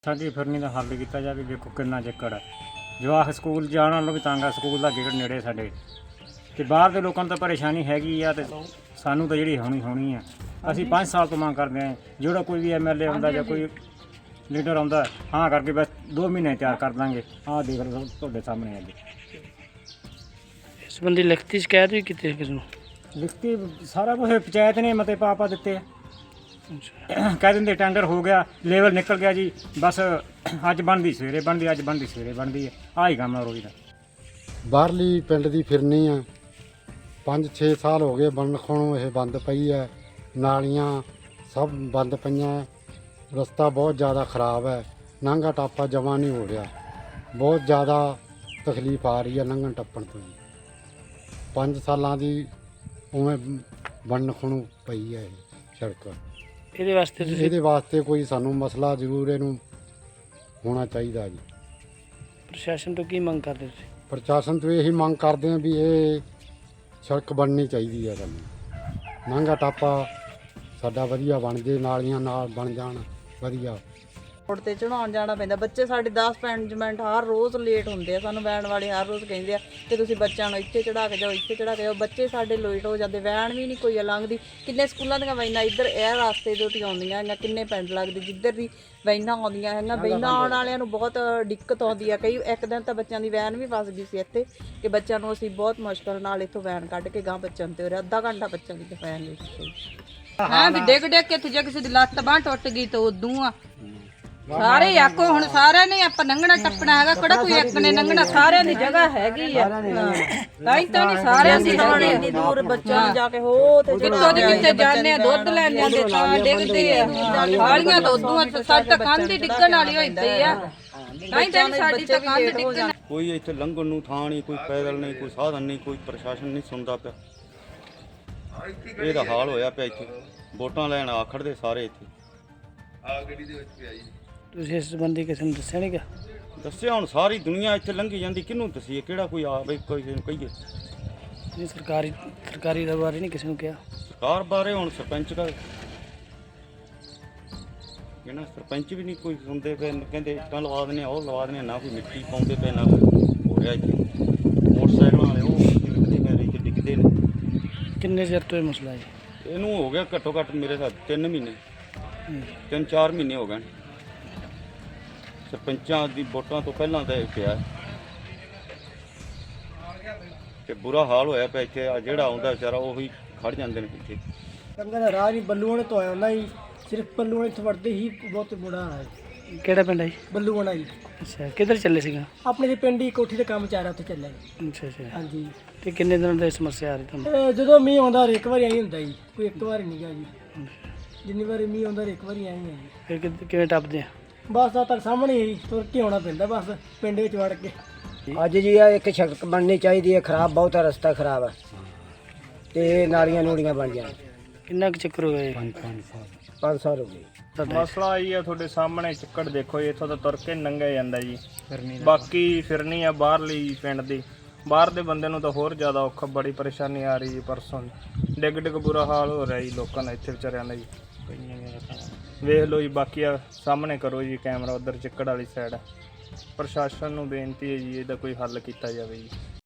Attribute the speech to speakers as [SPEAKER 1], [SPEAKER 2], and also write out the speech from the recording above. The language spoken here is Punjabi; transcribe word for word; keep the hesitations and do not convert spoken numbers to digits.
[SPEAKER 1] ਸਾਡੀ ਫਿਰਨੀ ਦਾ ਹੱਲ ਕੀਤਾ ਜਾਵੇ। ਦੇਖੋ ਕਿੰਨਾ ਚੱਕਰ ਹੈ, ਜਵਾਕ ਸਕੂਲ ਜਾਣ ਨਾਲੋਂ ਵੀ ਤੰਗ ਆ। ਸਕੂਲ ਦਾ ਗੇਟ ਨੇੜੇ ਸਾਡੇ, ਤੇ ਬਾਹਰ ਦੇ ਲੋਕਾਂ ਨੂੰ ਤਾਂ ਪਰੇਸ਼ਾਨੀ ਹੈਗੀ ਆ, ਤੇ ਸਾਨੂੰ ਤਾਂ ਜਿਹੜੀ ਹੋਣੀ ਹੋਣੀ ਆ। ਅਸੀਂ ਪੰਜ ਸਾਲ ਤੋਂ ਮੰਗ ਕਰਦੇ ਹਾਂ, ਜਿਹੜਾ ਕੋਈ ਵੀ ਐਮ ਐਲ ਏ ਆਉਂਦਾ ਜਾਂ ਕੋਈ ਲੀਡਰ ਆਉਂਦਾ, ਹਾਂ ਕਰਕੇ ਬਸ ਦੋ ਮਹੀਨੇ ਤਿਆਰ ਕਰ ਦਾਂਗੇ। ਆਹ ਦੇਖ ਲਓ ਤੁਹਾਡੇ ਸਾਹਮਣੇ ਅੱਜ
[SPEAKER 2] ਇਸ ਸੰਬੰਧੀ ਲਿਖਤੀ ਸ਼ਿਕਾਇਤ ਵੀ ਕੀਤੀ ਕਿਸ ਨੂੰ?
[SPEAKER 1] ਲਿਖਤੀ ਸਾਰਾ ਕੁਛ ਪੰਚਾਇਤ ਨੇ ਮਤੇ ਪਾ ਪਾ ਦਿੱਤੇ ਆ। ਕਹਿ ਦਿੰਦੇ ਟੈਂਡਰ ਹੋ ਗਿਆ, ਲੈਵਲ ਨਿਕਲ ਗਿਆ ਜੀ, ਬਸ ਅੱਜ ਬਣਦੀ ਸਵੇਰੇ ਬਣਦੀ, ਅੱਜ ਬਣਦੀ ਸਵੇਰੇ ਬਣਦੀ ਹੈ। ਆਹ ਹੀ ਕੰਮ ਆ ਰੋਜ਼ ਦਾ।
[SPEAKER 3] ਬਾਹਰਲੀ ਪਿੰਡ ਦੀ ਫਿਰਨੀ ਆ, ਪੰਜ ਛੇ ਸਾਲ ਹੋ ਗਏ ਬਣਨ ਖੋਣੋਂ ਇਹ ਬੰਦ ਪਈ ਹੈ। ਨਾਲੀਆਂ ਸਭ ਬੰਦ ਪਈਆਂ, ਰਸਤਾ ਬਹੁਤ ਜ਼ਿਆਦਾ ਖਰਾਬ ਹੈ, ਲੰਘਾ ਟਾਪਾ ਜਮਾ ਨਹੀਂ ਹੋ ਰਿਹਾ, ਬਹੁਤ ਜ਼ਿਆਦਾ ਤਕਲੀਫ ਆ ਰਹੀ ਹੈ ਲੰਘਣ ਟੱਪਣ ਤੋਂ ਜੀ। ਪੰਜ ਸਾਲਾਂ ਦੀ ਉਵੇਂ ਬਣਨ ਖੋਣੋਂ ਪਈ ਹੈ ਇਹ ਸੜਕ।
[SPEAKER 2] ਇਹਦੇ ਵਾਸਤੇ ਤੁਸੀਂ
[SPEAKER 3] ਇਹਦੇ ਵਾਸਤੇ ਕੋਈ ਸਾਨੂੰ ਮਸਲਾ ਜ਼ਰੂਰ ਇਹਨੂੰ ਹੋਣਾ ਚਾਹੀਦਾ ਜੀ।
[SPEAKER 2] ਪ੍ਰਸ਼ਾਸਨ ਤੋਂ ਕੀ ਮੰਗ ਕਰਦੇ ਤੁਸੀਂ?
[SPEAKER 3] ਪ੍ਰਸ਼ਾਸਨ ਤੋਂ ਇਹੀ ਮੰਗ ਕਰਦੇ ਹਾਂ ਵੀ ਇਹ ਸੜਕ ਬਣਨੀ ਚਾਹੀਦੀ ਹੈ ਸਾਨੂੰ। ਲੰਘਾ ਟਾਪਾ ਸਾਡਾ ਵਧੀਆ ਬਣ ਜੇ, ਨਾਲੀਆਂ ਨਾਲ ਬਣ ਜਾਣ ਵਧੀਆ।
[SPEAKER 4] ਰੋਡ ਤੇ ਚੜਾਉਣ ਜਾਣਾ ਪੈਂਦਾ, ਬੱਚੇ ਸਾਡੇ ਦਸ ਪੰਜ ਮਿੰਟ ਹਰ ਰੋਜ਼ ਲੇਟ ਹੁੰਦੇ ਆ। ਸਾਨੂੰ ਵੈਨ ਵਾਲੇ ਹਰ ਰੋਜ਼ ਕਹਿੰਦੇ ਆ ਕਿ ਤੁਸੀਂ ਬੱਚਿਆਂ ਨੂੰ ਇੱਥੇ ਚੜਾ ਕੇ ਜਾਓ, ਇੱਥੇ ਚੜਾ ਕੇ ਜਾਓ। ਬੱਚੇ ਸਾਡੇ ਲੇਟ ਹੋ ਜਾਂਦੇ, ਵੈਨ ਵੀ ਨਹੀਂ ਕੋਈ ਲੰਘਦੀ। ਕਿੰਨੇ ਸਕੂਲਾਂ ਦੀਆਂ ਵੈਨਾਂ ਇੱਧਰ ਇਹ ਰਸਤੇ ਦੇ ਉੱਤੇ ਆਉਂਦੀਆਂ ਹੈਗੀਆਂ, ਕਿੰਨੇ ਪਿੰਡ ਲੱਗਦੇ ਜਿੱਧਰ ਦੀ ਵੈਨਾਂ ਆਉਂਦੀਆਂ ਹੈਗੀਆਂ। ਵੈਨਾਂ ਆਉਣ ਵਾਲਿਆਂ ਨੂੰ ਬਹੁਤ ਦਿੱਕਤ ਆਉਂਦੀ ਆ। ਕਈ ਇੱਕ ਦਿਨ ਤਾਂ ਬੱਚਿਆਂ ਦੀ ਵੈਨ ਵੀ ਫਸ ਗਈ ਸੀ ਇੱਥੇ, ਕਿ ਬੱਚਿਆਂ ਨੂੰ ਅਸੀਂ ਬਹੁਤ ਮੁਸ਼ਕਲ ਨਾਲ ਇੱਥੋਂ ਵੈਨ ਕੱਢ ਕੇ ਗਾਂ ਬੱਚਿਆਂ ਨੂੰ ਤੇ ਉਰੇ ਅੱਧਾ ਘੰਟਾ ਬੱਚਿਆਂ ਦੀ ਵੈਨ ਵਿੱਚ।
[SPEAKER 5] ਹਾਂ ਵੀ ਡਿੱਗ ਡਿੱਗ ਕੇ ਜੇ ਕਿਸੇ ਦੀ ਲੱਤ ਬਾਂਹ ਟੁੱਟ ਗਈ ਤਾਂ ਉਦੋਂ ਆ ਸਾਰੇ ਆਕੋ। ਹੁਣ ਸਾਰਿਆਂ ਨੇ ਆਪਾਂ ਲੰਘਣਾ ਟੱਪਣਾ ਹੈਗਾ, ਕਿਹੜਾ ਕੋਈ ਇੱਕ ਨੇ ਲੰਘਣਾ, ਸਾਰਿਆਂ ਦੀ ਜਗ੍ਹਾ ਹੈਗੀ ਆ। ਤਾਂ ਹੀ ਤਾਂ ਨਹੀਂ ਸਾਰਿਆਂ ਦੀ
[SPEAKER 4] ਹੁਣ ਇੰਨੀ ਦੂਰ ਬੱਚਿਆਂ ਨੂੰ ਜਾ ਕੇ ਹੋ ਤੇ
[SPEAKER 5] ਕਿੱਥੋਂ ਦੇ ਕਿੱਥੇ ਜਾਂਦੇ ਆ, ਦੁੱਧ ਲੈਣ ਜਾਂਦੇ ਤਾਂ ਡਿੱਗਦੇ ਆ। ਹਾਲੀਆਂ ਤਾਂ ਉਦੋਂ ਸਾਡੀ ਤਾਂ ਕੰਧ ਹੀ ਡਿੱਗਣ ਵਾਲੀ ਹੋਈ ਪਈ ਆ। ਤਾਂ ਹੀ ਤਾਂ ਸਾਡੀ ਤਾਂ ਕੰਧ ਡਿੱਗਣ।
[SPEAKER 6] ਕੋਈ ਇੱਥੇ ਲੰਘਣ ਨੂੰ ਥਾਂ ਨਹੀਂ, ਕੋਈ ਪੈਦਲ ਨਹੀਂ, ਕੋਈ ਸਾਧਨ ਨਹੀਂ, ਕੋਈ ਪ੍ਰਸ਼ਾਸਨ ਨਹੀਂ ਸੁਣਦਾ ਪਿਆ। ਇਹਦਾ ਹਾਲ ਹੋਇਆ ਪਿਆ ਇੱਥੇ। ਵੋਟਾਂ ਲੈਣ ਆਖੜਦੇ ਸਾਰੇ ਇੱਥੇ।
[SPEAKER 2] ਤੁਸੀਂ ਇਸ ਸੰਬੰਧੀ ਕਿਸੇ ਨੂੰ ਦੱਸਿਆ ਨਹੀਂ ਗਾ?
[SPEAKER 6] ਦੱਸਿਆ ਹੁਣ ਸਾਰੀ ਦੁਨੀਆ ਇੱਥੇ ਲੰਘੀ ਜਾਂਦੀ, ਕਿਹਨੂੰ ਦੱਸੀਏ? ਕਿਹੜਾ ਕੋਈ ਆ ਬਈ ਕਿਸੇ ਨੂੰ ਕਹੀਏ?
[SPEAKER 2] ਨਹੀਂ ਸਰਕਾਰੀ ਸਰਕਾਰੀ ਦੇ ਬਾਰੇ ਨਹੀਂ ਕਿਸੇ ਨੂੰ ਕਿਹਾ?
[SPEAKER 6] ਸਰਕਾਰ ਬਾਰੇ ਹੁਣ ਸਰਪੰਚ ਦਾ ਇਹਨਾਂ ਸਰਪੰਚ ਵੀ ਨਹੀਂ ਕੋਈ ਸੁਣਦੇ ਪਏ। ਕਹਿੰਦੇ ਇੱਟਾਂ ਲਵਾ ਦਿੰਦੇ, ਉਹ ਲਵਾ ਦਿੰਦੇ, ਨਾ ਕੋਈ ਮਿੱਟੀ ਪਾਉਂਦੇ ਪਏ, ਨਾ ਕੋਈ ਹੋ ਰਿਹਾ ਇੱਥੇ। ਮੋਟਰਸਾਈਕਲਾਂ ਵਾਲੇ ਉਹ ਡਿੱਗਦੇ ਪਏ, ਇੱਥੇ ਡਿੱਗਦੇ ਨੇ।
[SPEAKER 2] ਕਿੰਨੇ ਚਿਰ ਤੋਂ ਇਹ ਮਸਲਾ ਹੈ?
[SPEAKER 6] ਇਹਨੂੰ ਹੋ ਗਿਆ ਘੱਟੋ ਘੱਟ ਮੇਰੇ ਸਾਥ ਤਿੰਨ ਮਹੀਨੇ ਤਿੰਨ ਚਾਰ ਮਹੀਨੇ ਹੋ ਗਏ। ਸਰਪੰਚਾਂ ਦੀ ਵੋਟਾਂ ਤੋਂ ਪਹਿਲਾਂ ਤਾਂ ਇਹ ਪਿਆ ਤੇ ਬੁਰਾ ਹਾਲ ਹੋਇਆ ਪਿਆ ਇੱਥੇ। ਆ ਜਿਹੜਾ ਆਉਂਦਾ ਵਿਚਾਰਾ ਉਹੀ ਖੜ ਜਾਂਦੇ ਨੇ ਇੱਥੇ।
[SPEAKER 7] ਕੰਗਾ ਦਾ ਰਾਹ ਨਹੀਂ, ਬੱਲੂਆਣੇ ਤੋਂ ਆਇਆ ਹੁੰਦਾ ਜੀ। ਸਿਰਫ ਬੱਲੂਆਣੇ ਇੱਥੇ ਵੜਦੇ ਹੀ ਬਹੁਤ ਬੁੜਾ ਹਾਲ ਹੈ।
[SPEAKER 2] ਕਿਹੜਾ ਪਿੰਡ ਹੈ ਜੀ?
[SPEAKER 7] ਬੱਲੂਆਣਾ ਜੀ।
[SPEAKER 2] ਅੱਛਾ, ਕਿੱਧਰ ਚੱਲੇ ਸੀਗਾ?
[SPEAKER 7] ਆਪਣੇ ਦੇ ਪਿੰਡ ਹੀ ਕੋਠੀ ਤੇ ਕੰਮ ਚੱਲ ਰਿਹਾ, ਉੱਥੇ ਚੱਲਿਆ ਜੀ।
[SPEAKER 2] ਅੱਛਾ ਅੱਛਾ।
[SPEAKER 7] ਹਾਂਜੀ।
[SPEAKER 2] ਤੇ ਕਿੰਨੇ ਦਿਨਾਂ ਤੋਂ ਇਹ ਸਮੱਸਿਆ ਆ ਰਹੀ ਤੁਹਾਨੂੰ?
[SPEAKER 7] ਇਹ ਜਦੋਂ ਮੀਂਹ ਆਉਂਦਾ ਇੱਕ ਵਾਰੀ ਆਈ ਹੁੰਦਾ ਜੀ, ਕੋਈ ਇੱਕ ਵਾਰੀ ਨਹੀਂ ਗਾ ਜੀ। ਜਿੰਨੀ ਵਾਰੀ ਮੀਂਹ ਆਉਂਦਾ ਇੱਕ ਵਾਰੀ ਆਈ ਹੈ ਜੀ।
[SPEAKER 2] ਫਿਰ ਕਿ- ਕਿਵੇਂ ਟੱਪਦੇ ਆ?
[SPEAKER 7] ਬਸ ਆ ਤੱਕ ਸਾਹਮਣੇ ਹੀ ਤੁਰ ਕੇ ਆਉਣਾ ਪੈਂਦਾ, ਬਸ ਪਿੰਡ ਵਿੱਚ ਵੜ ਕੇ।
[SPEAKER 8] ਅੱਜ ਜੀ ਆ ਇੱਕ ਸੜਕ ਬਣਨੀ ਚਾਹੀਦੀ ਹੈ, ਖਰਾਬ ਬਹੁਤ ਹੈ, ਰਸਤਾ ਖਰਾਬ ਹੈ ਤੇ ਨਾਲੀਆਂ ਨੂੜੀਆਂ ਬਣ ਜਾਣ।
[SPEAKER 2] ਕਿੰਨਾ ਕੁ ਚੱਕਰ ਹੋ ਗਏ?
[SPEAKER 8] ਪੰਜ ਸਾਲ ਹੋ ਗਏ।
[SPEAKER 9] ਮਸਲਾ ਆਈ ਆ ਤੁਹਾਡੇ ਸਾਹਮਣੇ ਚੱਕੜ ਦੇਖੋ ਜੀ, ਇੱਥੋਂ ਤਾਂ ਤੁਰ ਕੇ ਲੰਘਿਆ ਜਾਂਦਾ ਜੀ। ਬਾਕੀ ਫਿਰਨੀ ਆ ਬਾਹਰਲੀ ਪਿੰਡ ਦੀ, ਬਾਹਰ ਦੇ ਬੰਦੇ ਨੂੰ ਤਾਂ ਹੋਰ ਜ਼ਿਆਦਾ ਔਖਾ, ਬੜੀ ਪਰੇਸ਼ਾਨੀ ਆ ਰਹੀ ਜੀ। ਪਰਸੋਂ ਡਿੱਗ ਡਿੱਗ ਬੁਰਾ ਹਾਲ ਹੋ ਰਿਹਾ ਜੀ ਲੋਕਾਂ ਦਾ ਇੱਥੇ ਵਿਚਾਰਿਆਂ ਦਾ ਜੀ। ਵੇਖ ਲਓ ਜੀ, ਬਾਕੀ ਆ ਸਾਹਮਣੇ ਕਰੋ ਜੀ ਕੈਮਰਾ, ਉੱਧਰ ਚੱਕੜ ਵਾਲੀ ਸਾਈਡ। ਪ੍ਰਸ਼ਾਸਨ ਨੂੰ ਬੇਨਤੀ ਹੈ ਜੀ ਇਹਦਾ ਕੋਈ ਹੱਲ ਕੀਤਾ ਜਾਵੇ ਜੀ।